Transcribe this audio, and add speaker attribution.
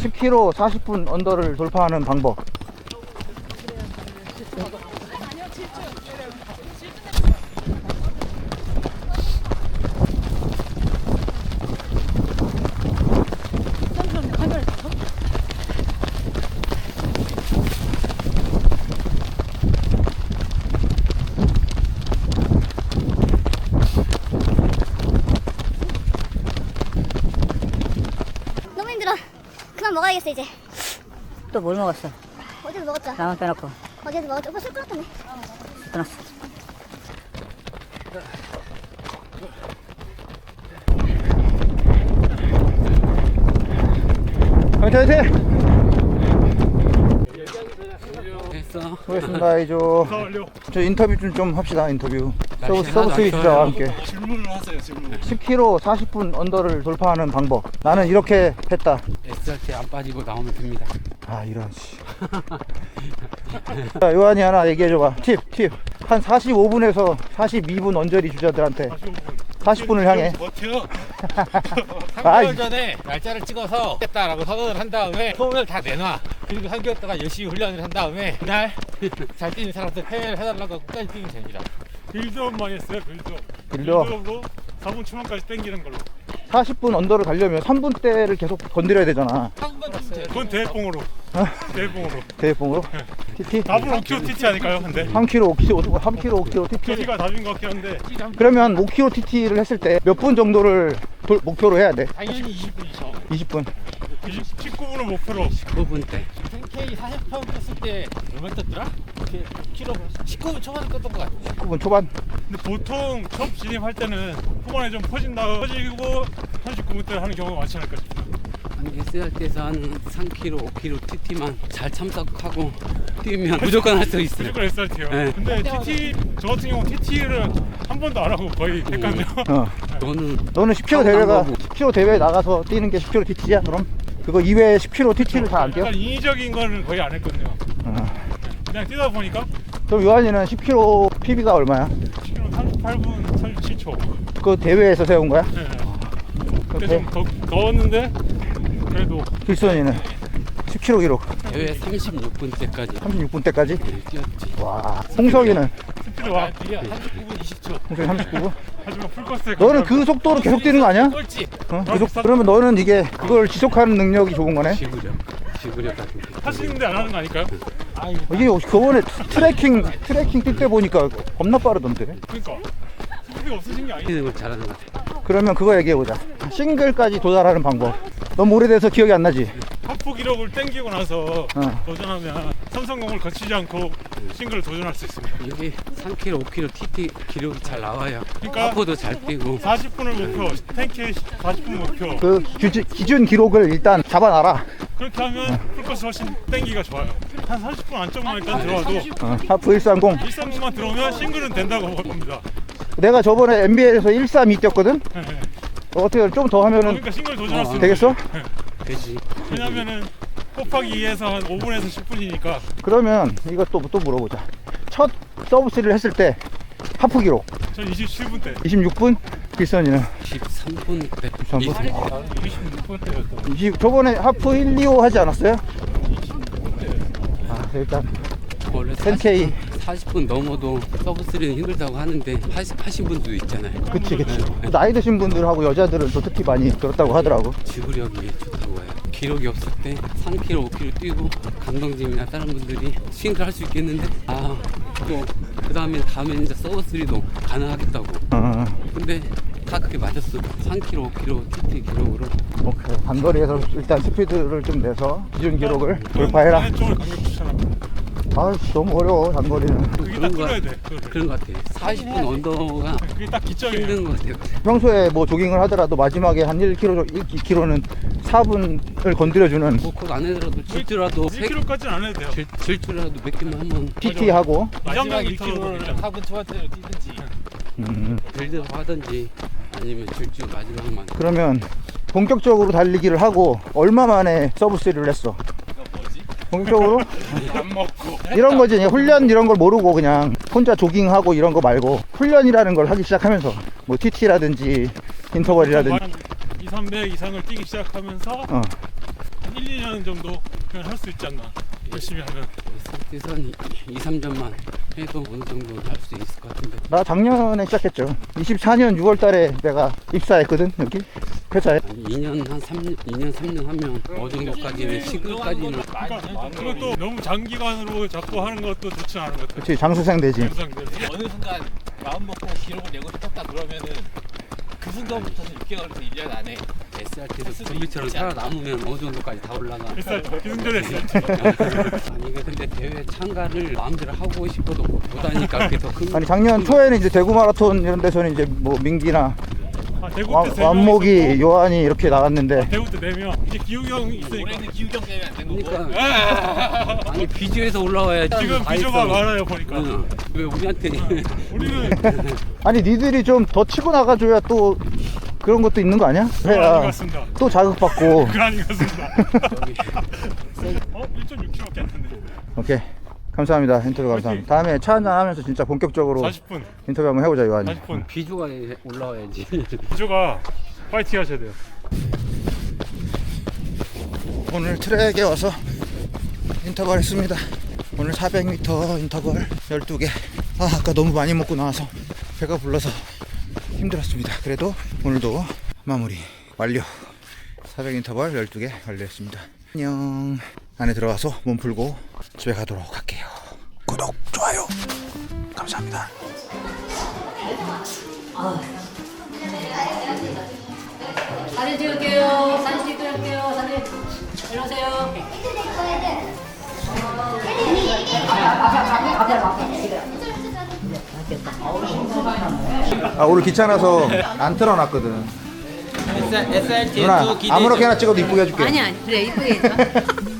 Speaker 1: 10km 40분 언더를 돌파하는 방법.
Speaker 2: 너무 힘들어. 그만 먹어야겠어 이제.
Speaker 3: 또 뭘 먹었어?
Speaker 2: 어제도 먹었죠.
Speaker 3: 나만 빼놓고
Speaker 2: 어제도 먹었죠. 오빠 술 끊었다며.
Speaker 3: 끊었어.
Speaker 1: 화이팅 화이팅!
Speaker 4: 됐어.
Speaker 1: 수고했습니다 이조. 저 인터뷰 좀 합시다. 인터뷰. 서브스위 주자와 함께
Speaker 5: 질문을 하세요. 질문.
Speaker 1: 10km 40분 언더를 돌파하는 방법. 나는 이렇게 했다.
Speaker 4: SRT 안 빠지고 나오면 됩니다.
Speaker 1: 아 이런 씨. 자, 요한이 하나 얘기해줘봐. 팁. 한 45분에서 42분 언저리 주자들한테 40분을 향해.
Speaker 5: 버텨.
Speaker 4: 3개월 전에 날짜를 찍어서 했다라고 선언을 한 다음에 소문을 다 내놔. 그리고 3개월 동안 열심히 훈련을 한 다음에 그날 잘 뛰는 사람들 패배를 해달라고 끝까지 뛰면 됩니다.
Speaker 5: 빌드업만 했어요. 빌드업.
Speaker 1: 빌드업.
Speaker 5: 빌드업으로 4분 초반까지 땡기는 걸로.
Speaker 1: 40분 언더를 가려면 3분대를 계속 건드려야 되잖아.
Speaker 4: 한 번 줬어요.
Speaker 5: 그건 대회뽕으로. 대회뽕으로.
Speaker 1: 대회봉으로. TT?
Speaker 5: 답은 5kg TT 아닐까요? 근데
Speaker 1: 3km 5km 3km 5km TT.
Speaker 5: TT가 답인 것 같긴 한데
Speaker 1: 그러면 5km TT를 했을 때 몇 분 정도를 목표로 해야 돼?
Speaker 4: 당연히 20분이죠.
Speaker 1: 20분.
Speaker 5: 19분을 목표로.
Speaker 4: 19분 때. 10K 40편 떴을 때 얼마 떴더라? 이렇게 키로 19분 초반에 떴던 것 같아.
Speaker 1: 19분 초반.
Speaker 5: 근데 보통 첫 진입할 때는 후반에 좀 퍼지고 39분 때 하는 경우가 많지 않을까 싶어요.
Speaker 4: SRT에서 한 3km, 5km TT만 잘 참석하고 뛰면 무조건 할 수 있어요.
Speaker 5: 무조건 SRT요.
Speaker 4: 네.
Speaker 5: 근데 TT 저 같은 경우 TT를 한 번도 안 하고 거의 했거든요.
Speaker 1: 너는 10km 대회가 10km 대회에 나가서 뛰는 게 10km TT야? 그럼? 그거 이외에 10km TT를 잘 안 뛰어?
Speaker 5: 약간 인위적인 거는 거의 안 했거든요. 그냥 뛰다 보니까
Speaker 1: 그럼 요한이는 10km PB가 얼마야?
Speaker 5: 10km 38분 37초.
Speaker 1: 그거 대회에서 세운 거야?
Speaker 5: 네.
Speaker 1: 그
Speaker 5: 그때 좀 더웠는데 그래도
Speaker 1: 길선이는 10km 기록
Speaker 4: 대회 36분 때까지
Speaker 1: 36분 때까지?
Speaker 4: 뛰었지.
Speaker 1: 와. 홍석이는
Speaker 5: 스피드 와.
Speaker 4: 39분 20초.
Speaker 1: 홍석이 39분?
Speaker 5: 하지만 풀코스에
Speaker 1: 너는 그 속도로 계속 뛰는 거 아니야?
Speaker 4: 꼴찌.
Speaker 1: 그러면 너는 이게 그걸 지속하는 능력이 좋은 거네?
Speaker 4: 지구력 같은 게.
Speaker 5: 하시는데 안 하는 거 아닐까요?
Speaker 1: 이게 저번에 트래킹 뛸 때 보니까 겁나 빠르던데.
Speaker 5: 그러니까 스피드가 없으신 게 아니에요.
Speaker 4: 뛰는 걸 잘하는 것 같아.
Speaker 1: 그러면 그거 얘기해보자. 싱글까지 도달하는 방법. 너무 오래돼서 기억이 안 나지?
Speaker 5: 하프 기록을 땡기고 나서 도전하면 삼성공을 거치지 않고 싱글을 도전할 수 있습니다.
Speaker 4: 이게 3km, 5km TT 기록이 잘 나와요.
Speaker 5: 그러니까
Speaker 4: 하프도 잘 뛰고.
Speaker 5: 40분을 목표, 10K 40분 목표.
Speaker 1: 그 기준 기록을 일단 잡아놔라.
Speaker 5: 그렇게 하면 풀코스 훨씬 땡기가 좋아요. 한 30분 안쪽만 일단 들어와도
Speaker 1: 하프 130.
Speaker 5: 130만 들어오면 싱글은 된다고 봅니다.
Speaker 1: 내가 저번에 NBA에서 132 뛰었거든?
Speaker 5: 네.
Speaker 1: 어떻게 좀 더 하면은
Speaker 5: 그러니까 싱글 도전할 수 있는
Speaker 1: 되겠어?
Speaker 5: 거예요.
Speaker 4: 되지.
Speaker 5: 왜냐면은 곱하기 2에서 한 5분에서 10분이니까
Speaker 1: 그러면 이것도 또 물어보자. 첫 서브3를 했을 때 하프 기록
Speaker 5: 전 27분 때
Speaker 1: 26분? 길선이는
Speaker 4: 13분 때.
Speaker 1: 13분?
Speaker 5: 26분 때였던
Speaker 1: 저번에 하프 1, 2, 5 하지 않았어요? 일단
Speaker 4: 원래
Speaker 1: 10K
Speaker 4: 40분 넘어도 서브3는 힘들다고 하는데 하신 분도 있잖아요.
Speaker 1: 그치 나이 드신 분들하고 여자들은 또 특히 많이 그렇다고 하더라고.
Speaker 4: 지구력이 좋다고 해요. 기록이 없을 때 3km, 5km 뛰고 감독님이나 다른 분들이 싱글 할 수 있겠는데 또 그 다음에 이제 서브3도 가능하겠다고. 근데 다 그게 맞았어. 3km, 5km TT 기록으로.
Speaker 1: 오케이. 단거리에서 일단 스피드를 좀 내서 기준 기록을 돌파해라.
Speaker 5: 쪽을 강력 추천합니다.
Speaker 1: 너무 어려워 단거리는.
Speaker 5: 그게 딱 뚫어야 돼.
Speaker 4: 그런 것 같아. 40분 언더가
Speaker 5: 그게 딱 기점이에요.
Speaker 4: 힘든 것 같아요.
Speaker 1: 평소에 뭐 조깅을 하더라도 마지막에 한 1km는 4분을 건드려주는
Speaker 4: 그거 안 해더라도 질주라도
Speaker 5: 1km까지는 안 해도 돼요.
Speaker 4: 질주라도 몇 개만 한번
Speaker 1: TT 하고
Speaker 5: 마지막
Speaker 4: 1km를 4분 초반대로 뛰든지 빌드업 하든지 아니면 질주 마지막만.
Speaker 1: 그러면 본격적으로 달리기를 하고 얼마 만에 서브3를 했어? 본격적으로?
Speaker 5: 안 먹고
Speaker 1: 이런 거지. 그냥 훈련 이런 걸 모르고 그냥 혼자 조깅하고 이런 거 말고 훈련이라는 걸 하기 시작하면서 뭐 TT라든지 인터벌이라든지
Speaker 5: 2, 300 이상을 뛰기 시작하면서 1, 2년 정도 그냥 할 수 있지 않나. 열심히 하면.
Speaker 4: 상태에서는 2, 3점만 해도 어느 정도 할 수 있을 것 같은데.
Speaker 1: 나 작년에 시작했죠. 24년 6월 달에 내가 입사했거든, 여기 회사에.
Speaker 4: 아니, 2년 한 3년, 2년 3년 하면 어느 정도까지는 시급까지는
Speaker 5: 그러니까 그것도 너무 장기간으로 자꾸 하는 것도 좋지 않은 것 같아요.
Speaker 1: 그렇지, 장수생 되지.
Speaker 5: 영상들.
Speaker 6: 어느 순간 마음 먹고 기록을 내고 싶었다 그러면은 그 순간부터는 6개월에서 1년 안에
Speaker 4: SRT에서 좀비처럼 살아남으면 어느 정도까지 다 올라가.
Speaker 5: 기승전에
Speaker 4: 아니 이게 근데 대회 참가를 마음대로 하고 싶어도 못하니까 그게 더 큰.
Speaker 1: 아니, 작년 초에는 이제 대구 마라톤 이런 데서는 이제 뭐 민기나
Speaker 5: 대구 때 3명
Speaker 1: 완목이,
Speaker 5: 있었고,
Speaker 1: 요한이 이렇게 나갔는데.
Speaker 5: 대구 때 4명. 이제 기욱이 형이 있으니까.
Speaker 6: 올해는 기우경 때문에 안 된 거고.
Speaker 4: 그러니까 아니 비주에서 올라와야지.
Speaker 5: 지금
Speaker 4: 다
Speaker 5: 비주가
Speaker 4: 있어.
Speaker 5: 많아요 보니까.
Speaker 4: 응. 왜 우리한테
Speaker 5: 우리는
Speaker 1: 아니, 니들이 좀 더 치고 나가줘야 또 그런 것도 있는 거 아니야?
Speaker 5: 그거 아닌 것
Speaker 1: 해야
Speaker 5: 같습니다.
Speaker 1: 또 자극받고.
Speaker 5: 그거 아닌 것 같습니다. 1.6km밖에 안 됐네.
Speaker 1: 오케이, 감사합니다. 인터뷰 감사합니다. 다음에 차 한잔 하면서 진짜 본격적으로
Speaker 5: 40분.
Speaker 1: 인터뷰 한번 해보자, 요한이.
Speaker 5: 40분.
Speaker 4: 비주가 올라와야지.
Speaker 5: 비주가 파이팅 하셔야 돼요.
Speaker 1: 오늘 트랙에 와서 인터벌 했습니다. 오늘 400m 인터벌 12개. 아까 너무 많이 먹고 나와서 배가 불러서 힘들었습니다. 그래도 오늘도 마무리 완료. 400 인터벌 12개 완료했습니다. 안녕. 안에 들어가서 몸 풀고 집에 가도록 할게요. 구독, 좋아요 감사합니다.
Speaker 3: 사진 찍을게요. 사진 찍을게요. 사진. 일로 오세요.
Speaker 1: 아, 오늘 귀찮아서 안 틀어놨거든.
Speaker 6: SRT
Speaker 1: 누나, 아무렇게나 찍어도 이쁘게 해줄게.
Speaker 3: 아니, 그래, 이쁘게 해줘.